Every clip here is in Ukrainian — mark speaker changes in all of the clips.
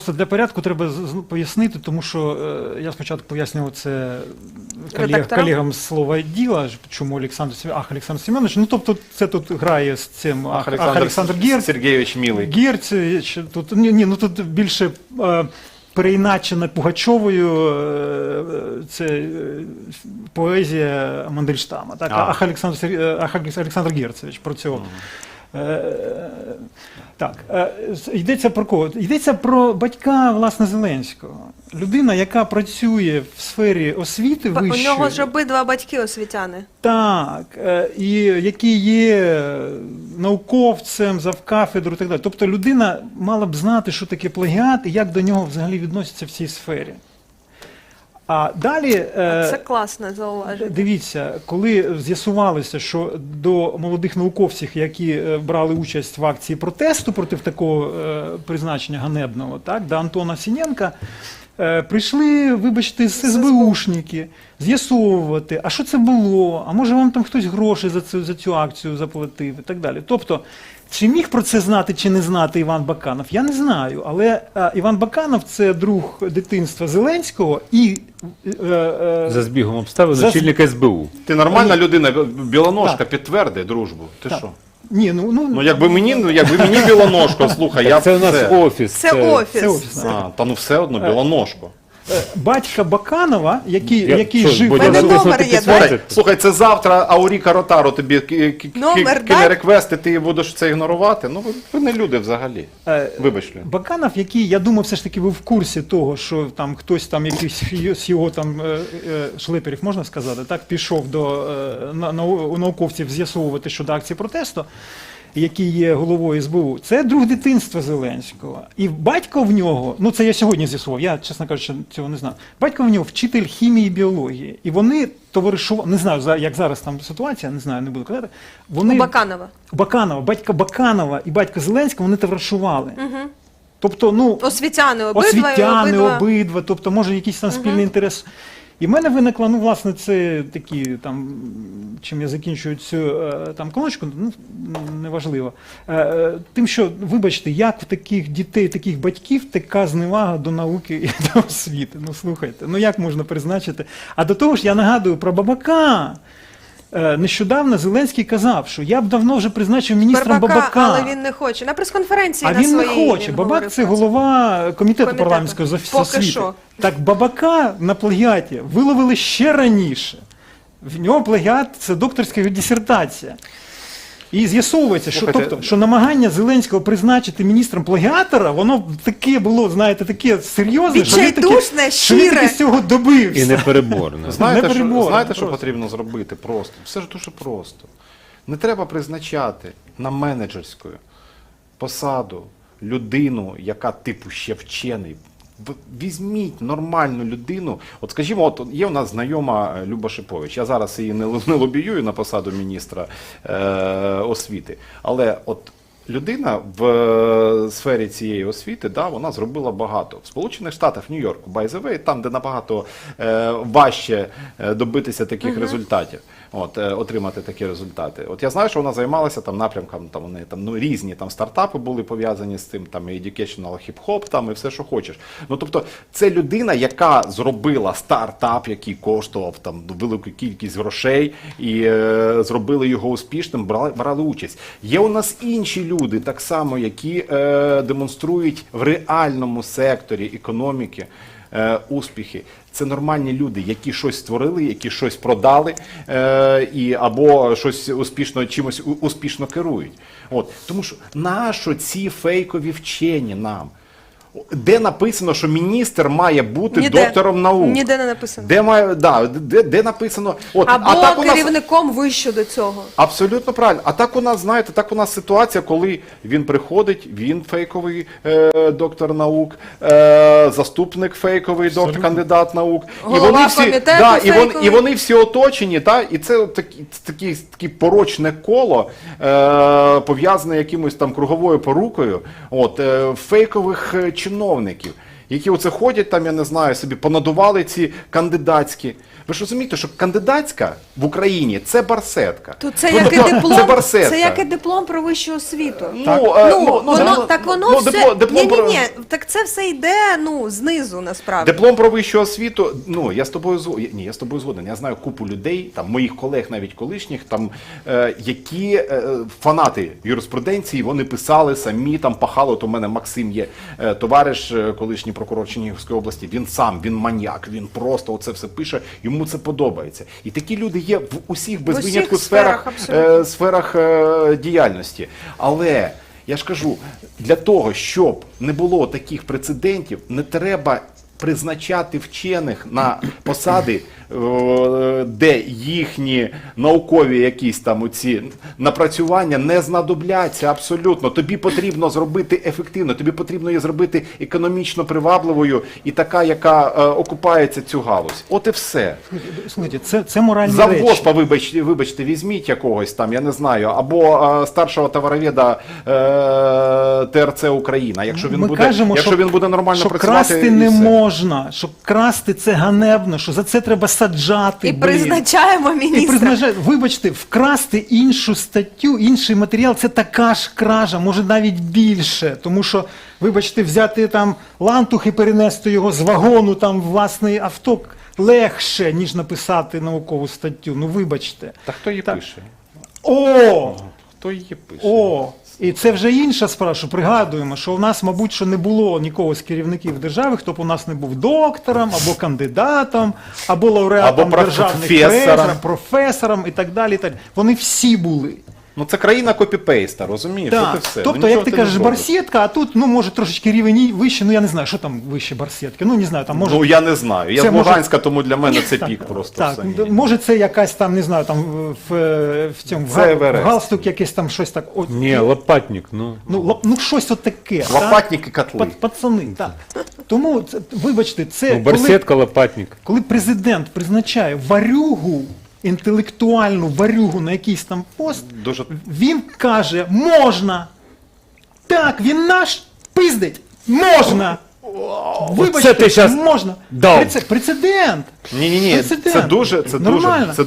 Speaker 1: Для порядку треба пояснити, тому що я спочатку пояснював це колегам з «Слова діла», чому Олександр Семенович. Ну, тобто це тут грає з цим Олександр Герц.
Speaker 2: Сергійович Мілий.
Speaker 1: Герц, тут, ну, тут більше переіначена Пугачовою це поезія Мандельштама. Так? Ах Олександр Герцевич про цього. Так, йдеться про кого? Йдеться про батька, власне, Зеленського. Людина, яка працює в сфері освіти вищої.
Speaker 3: У нього ж обидва батьки освітяни.
Speaker 1: Так, і який є науковцем, завкафедру і так далі. Тобто людина мала б знати, що таке плагіат і як до нього взагалі відносяться в цій сфері. А далі,
Speaker 3: це класне зауваження.
Speaker 1: Дивіться, коли з'ясувалося, що до молодих науковців, які брали участь в акції протесту проти такого призначення ганебного, так, до Антона Сіненка, прийшли, вибачте, СБУшники з'ясовувати, а що це було, а може вам там хтось гроші за цю акцію заплатив і так далі. Тобто, чи міг про це знати, чи не знати Іван Баканов, я не знаю. Але Іван Баканов – це друг дитинства Зеленського і…
Speaker 4: За збігом обставин очільник СБУ.
Speaker 2: Ти нормальна людина, Білоножка, підтверди дружбу. Ти що?
Speaker 1: Ні,
Speaker 2: ну якби мені Білоножко, слухай, я б
Speaker 4: це у нас офіс.
Speaker 3: Це офіс.
Speaker 2: Та ну все одно, Білоножко.
Speaker 1: Батька Баканова, який жив...
Speaker 3: номер є, так?
Speaker 2: Слухай, це завтра Ауріка Ротаро тобі кине реквест, і ти будеш це ігнорувати? Ну, ви не люди взагалі. Вибач.
Speaker 1: Баканов, який, я думаю, все ж таки був в курсі того, що там хтось там, якийсь з його там шлеперів, можна сказати, так, пішов до науковців з'ясовувати щодо акції протесту, який є головою СБУ, це друг дитинства Зеленського. І батько в нього, ну це я сьогодні з'ясував, я, чесно кажучи, цього не знав. Батько в нього вчитель хімії і біології. І вони товаришували, не знаю, як зараз там ситуація, не знаю, не буду казати. Вони,
Speaker 3: у Баканова.
Speaker 1: Баканова, батько Баканова і батько Зеленського, вони товаришували. Угу. Тобто, ну,
Speaker 3: освітяни
Speaker 1: обидва, тобто, може, якийсь там спільний інтерес. І в мене виникла, ну, власне, це такі, там, чим я закінчую цю там колоночку, ну, неважливо. Тим, що, вибачте, як в таких дітей, таких батьків така зневага до науки і до освіти? Ну, слухайте, ну як можна призначити? А до того ж, я нагадую про Бабака. Нещодавно Зеленський казав, що я б давно вже призначив міністром Бабака.
Speaker 3: Але він не хоче. На прес-конференції на своїй.
Speaker 1: А він не хоче. Бабак – це голова комітету парламентського з освіти. Так Бабака на плагіаті виловили ще раніше. В нього плагіат – це докторська дисертація. І з'ясовується, що, тобто, що намагання Зеленського призначити міністром плагіатора, воно таке було, знаєте, таке серйозне, що він таки з цього добився.
Speaker 4: І непереборне.
Speaker 2: Знаєте, що потрібно зробити просто? Все ж дуже просто. Не треба призначати на менеджерську посаду людину, яка типу ще вчений. Візьміть нормальну людину. От скажімо, от є у нас знайома Люба Шипович. Я зараз її не лобіюю на посаду міністра освіти. Але от людина в сфері цієї освіти, да, вона зробила багато. В Сполучених Штатах, в Нью-Йорку, by the way, там, де набагато важче добитися таких результатів, отримати такі результати. От я знаю, що вона займалася там напрямком, там вони там, ну, різні там стартапи були пов'язані з тим, там і educational hip-hop, там і все, що хочеш. Ну, тобто, це людина, яка зробила стартап, який коштував там велику кількість грошей, і зробили його успішним, брали участь. Є у нас інші люди, так само, які демонструють в реальному секторі економіки успіхи. Це нормальні люди, які щось створили, які щось продали, або щось успішно, чимось успішно керують. От. Тому що нащо ці фейкові вчені нам? Де написано, що міністр має бути доктором наук?
Speaker 3: Ніде не написано.
Speaker 2: Де написано? От,
Speaker 3: або керівником вище до цього.
Speaker 2: Абсолютно правильно. А так у нас, знаєте, так у нас ситуація, коли він приходить, він фейковий доктор наук, заступник фейковий доктор, кандидат наук.
Speaker 3: Голова комітету
Speaker 2: і вони всі оточені, та? І це таке порочне коло, пов'язане якимось там круговою порукою, фейкових чиновників, які оце ходять там, я не знаю, собі понадували ці кандидатські. Ви ж розумієте, що кандидатська в Україні – це барсетка.
Speaker 3: То це
Speaker 2: Ну,
Speaker 3: як і
Speaker 2: тобто,
Speaker 3: диплом,
Speaker 2: це барсетка.
Speaker 3: це як і диплом про вищу освіту.
Speaker 2: Воно
Speaker 3: Все,
Speaker 2: диплом про...
Speaker 3: ні, так це все йде, знизу, насправді.
Speaker 2: Диплом про вищу освіту, я з тобою я з тобою згоден. Я знаю купу людей, там моїх колег, навіть колишніх, там які фанати юриспруденції, вони писали самі, там пахали. От у мене Максим є товариш, колишній прокурор Чернігівської області. Він маніяк, він просто оце все пише. Йому це подобається. І такі люди є в усіх без винятку сферах діяльності. Але я ж кажу, для того, щоб не було таких прецедентів, не треба призначати вчених на посади, де їхні наукові якісь там оці напрацювання не знадобляться абсолютно. Тобі потрібно зробити ефективно, тобі потрібно її зробити економічно привабливою і така, яка окупається цю галузь. От і все.
Speaker 1: Слухайте, це моральні
Speaker 2: За
Speaker 1: речі.
Speaker 2: ВОСПа, вибачте, візьміть якогось там, я не знаю, або старшого товароведа ТРЦ Україна, якщо він буде нормально працювати.
Speaker 1: Красти не можна, що красти це ганебно, що за це треба саджати.
Speaker 3: І призначаємо міністра.
Speaker 1: Вибачте, вкрасти іншу статтю, інший матеріал, це така ж кража, може навіть більше. Тому що, вибачте, взяти там лантух і перенести його з вагону там в власний авто легше, ніж написати наукову статтю. Ну, вибачте.
Speaker 2: Та хто її пише?
Speaker 1: Хто
Speaker 2: її пише?
Speaker 1: І це вже інша справа, що пригадуємо, що у нас, мабуть, що не було нікого з керівників держави, хто б у нас не був доктором, або кандидатом, або лауреатом державних премій, професором і так далі. Вони всі були.
Speaker 2: Ну це країна копі-пейста, розумієш?
Speaker 1: Так.
Speaker 2: От і все.
Speaker 1: Тобто, як ти кажеш, барсетка, а тут, може, трошечки рівень вище, я не знаю, що там вище барсетки. Не знаю, там може...
Speaker 2: я не знаю. Я з Луганська, тому для мене це пік просто.
Speaker 1: Так, може це якась там, не знаю, там в цьому в галстук якесь там щось так.
Speaker 4: Ні, лопатник,
Speaker 1: щось от таке.
Speaker 2: Лопатник і котли.
Speaker 1: Пацани, так. Тому, вибачте, це
Speaker 4: барсетка, лопатник.
Speaker 1: Коли президент призначає варюгу, інтелектуальну варюгу на якийсь там пост, він каже, можна. Так, він наш пиздить. Можна. Вибачте, можна. Прецедент.
Speaker 2: Ні, це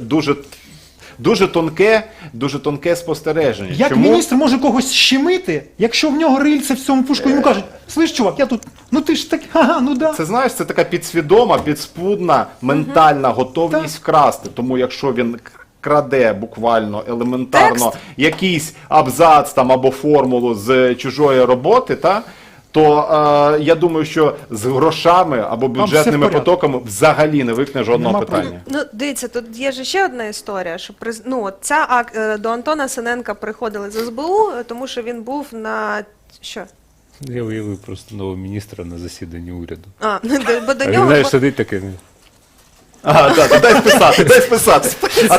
Speaker 2: дуже тонке спостереження.
Speaker 1: Як міністр може когось щемити, якщо в нього рильце в цьому пушку, йому кажуть, слиш, чувак, я тут, ти ж так, да.
Speaker 2: Це, знаєш, це така підсвідома, підспудна, ментальна готовність вкрасти. Тому якщо він краде буквально, елементарно, якийсь абзац там або формулу з чужої роботи, то я думаю, що з грошами або бюджетними потоками взагалі не виникне жодного питання.
Speaker 3: Дивіться, тут є ж ще одна історія, що до Антона Синенка приходили з СБУ, тому що він був на... Що?
Speaker 4: Я уявив просто нового міністра на засіданні уряду.
Speaker 3: Бо до
Speaker 4: він,
Speaker 3: нього...
Speaker 4: знаєш, сидить таке...
Speaker 2: Дай списати.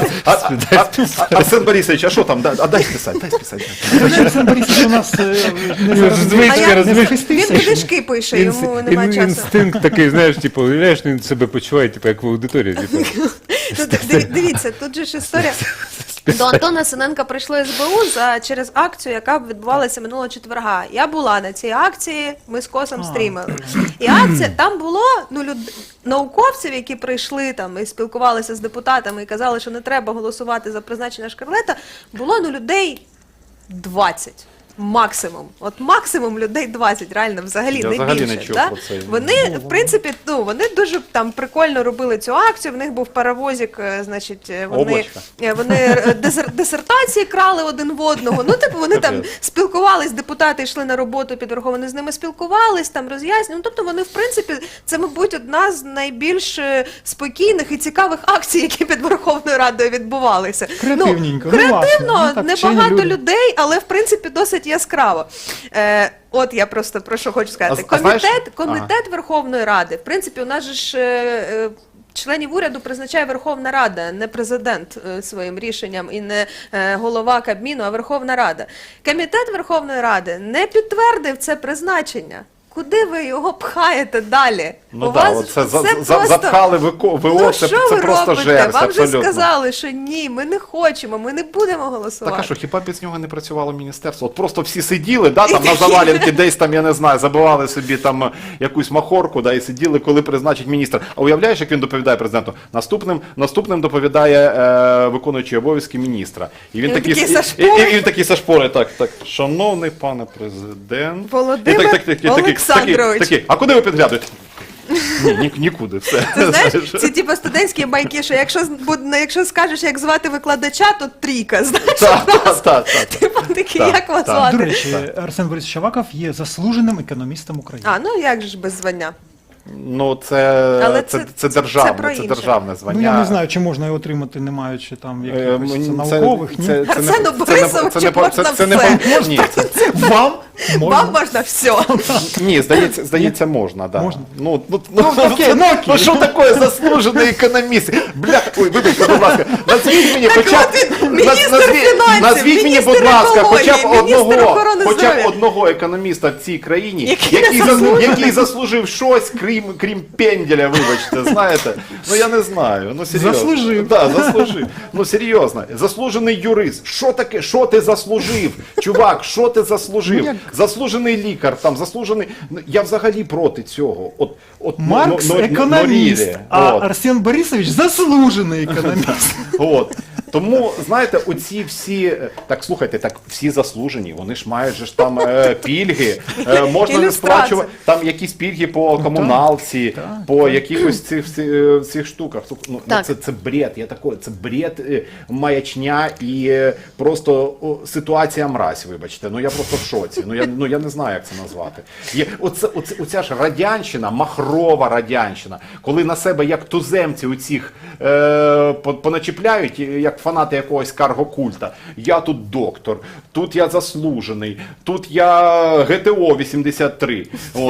Speaker 2: Арсен Борисович, а що там? Дай списати.
Speaker 1: Арсен Борисович у нас
Speaker 3: Він книжки пише, йому немає часу.
Speaker 4: Інстинкт такий, знаєш, уявляєш, він себе почуває, як в аудиторії.
Speaker 3: Дивіться, тут же ж історія. До Антона Синенка прийшло СБУ через акцію, яка відбувалася минулого четверга. Я була на цій акції, ми з Косом стрімили. І акція, там було науковців, які прийшли там і спілкувалися з депутатами і казали, що не треба голосувати за призначення Шкарлета, було людей 20. Максимум. От максимум людей 20, реально, взагалі не більше. Да? Вони, в принципі, вони дуже там прикольно робили цю акцію, в них був паровозик, значить, вони дисертації крали один в одного, вони там спілкувались, депутати йшли на роботу під Верховною, вони з ними спілкувались, там роз'яснювали, тобто вони, в принципі, це, мабуть, одна з найбільш спокійних і цікавих акцій, які під Верховною Радою відбувалися.
Speaker 1: Креативненько.
Speaker 3: Креативно, небагато людей, але, в принципі, досить яскраво. От я просто про що хочу сказати. Комітет Верховної Ради. В принципі, у нас же ж членів уряду призначає Верховна Рада, не президент своїм рішенням і не голова Кабміну, а Верховна Рада. Комітет Верховної Ради не підтвердив це призначення. Куди ви його пхаєте далі?
Speaker 2: Ну
Speaker 3: У
Speaker 2: так,
Speaker 3: вас
Speaker 2: оце
Speaker 3: це просто-
Speaker 2: запхали ВО,
Speaker 3: Ну
Speaker 2: це
Speaker 3: що ви
Speaker 2: просто
Speaker 3: робите?
Speaker 2: жерсть,
Speaker 3: Вам же
Speaker 2: абсолютно.
Speaker 3: сказали, що ні, ми не хочемо, ми не будемо голосувати.
Speaker 2: Так а що, хіба без нього не працювало міністерство? От просто всі сиділи, да, там на завалянки десь там, я не знаю, забивали собі там якусь махорку, да, і сиділи, коли призначить міністр. А уявляєш, як він доповідає президенту? Наступним доповідає виконуючий обов'язки міністра. І він такий
Speaker 3: такий
Speaker 2: такий зашпорить, так, шановний пане президент.
Speaker 3: Володимир
Speaker 2: І такий,
Speaker 3: Олександрович.
Speaker 2: такий, а куди ви підглядуєте? Ні, нікуди, все.
Speaker 3: Ти знаєш, ці типу студентські байки, що якщо скажеш, як звати викладача, то трійка, знаєш?
Speaker 2: Так.
Speaker 3: Типу такий,
Speaker 2: Так,
Speaker 3: як вас
Speaker 2: так.
Speaker 3: звати?
Speaker 1: До речі, Арсен Борисович Аваков є заслуженим економістом України.
Speaker 3: А, ну як же ж без звання?
Speaker 2: Ну,
Speaker 3: Але
Speaker 2: це
Speaker 3: це
Speaker 2: державне,
Speaker 3: про
Speaker 2: це
Speaker 3: інше.
Speaker 2: державне звання.
Speaker 1: Ну я не знаю, чи можна його отримати, не маючи там якихось
Speaker 2: Мені
Speaker 1: наукових, ні.
Speaker 3: Арсену Борисовичу можна все.
Speaker 2: Ні,
Speaker 1: Вам можна.
Speaker 3: Вам можна все.
Speaker 2: ні, здається, можна, да.
Speaker 1: Можна?
Speaker 2: Ну,
Speaker 1: окей, ну, окей.
Speaker 2: ну що таке заслужений економіст? Бля, ой, вибачте, будь ласка, назвіть мені хоча б,
Speaker 3: от він, міністр фінансів,
Speaker 2: назвіть мені,
Speaker 3: міністр
Speaker 2: будь ласка, хоча б
Speaker 3: екології, міністр охорони
Speaker 2: хоча б
Speaker 3: здоров'я.
Speaker 2: одного економіста в цій країні,
Speaker 3: Який не
Speaker 2: який заслужив щось, крім пенділя, вибачте, знаєте? Ну я не знаю, ну серйозно.
Speaker 1: Заслужив.
Speaker 2: Да, заслужив. Ну серйозно, заслужений юрист. Що таке? Що ти заслужив? Чувак, що ти заслужив? Заслужений лікар, там заслужений. Ну, я взагалі проти цього.
Speaker 1: Маркс економіст, а Арсен Борисович заслужений економіст.
Speaker 2: От. Тому, знаєте, оці всі, так слухайте, так всі заслужені, вони ж мають же ж там пільги, можна не
Speaker 3: Ілюстрація.
Speaker 2: сплачувати, там якісь пільги по комуналці,
Speaker 1: так,
Speaker 2: по якихось цих штуках. Ну,
Speaker 3: Так.
Speaker 2: це бред, це бред, маячня і просто ситуація мразь, вибачте. Ну я просто в шоці, ну я не знаю, як це назвати. Оця ж радянщина, махрова радянщина, коли на себе як туземці оцих поначіпляють, як фанати якогось каргокульта. Я тут доктор, тут я заслужений, тут я ГТО 83,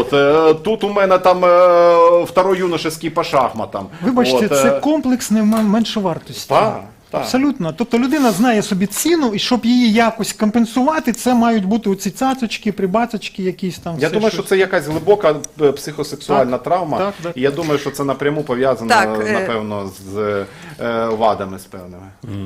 Speaker 2: тут у мене там второй юношеский по шахматам.
Speaker 1: Вибачте, це комплексне меншовартості.
Speaker 2: Так.
Speaker 1: Абсолютно. Тобто людина знає собі ціну, і щоб її якось компенсувати, це мають бути оці цацочки, прибацочки якісь там.
Speaker 2: Я
Speaker 1: все
Speaker 2: думаю,
Speaker 1: щось.
Speaker 2: що це якась глибока психосексуальна травма,
Speaker 1: так.
Speaker 2: і я думаю, що це напряму пов'язано,
Speaker 3: Так,
Speaker 2: напевно, з вадами з певними.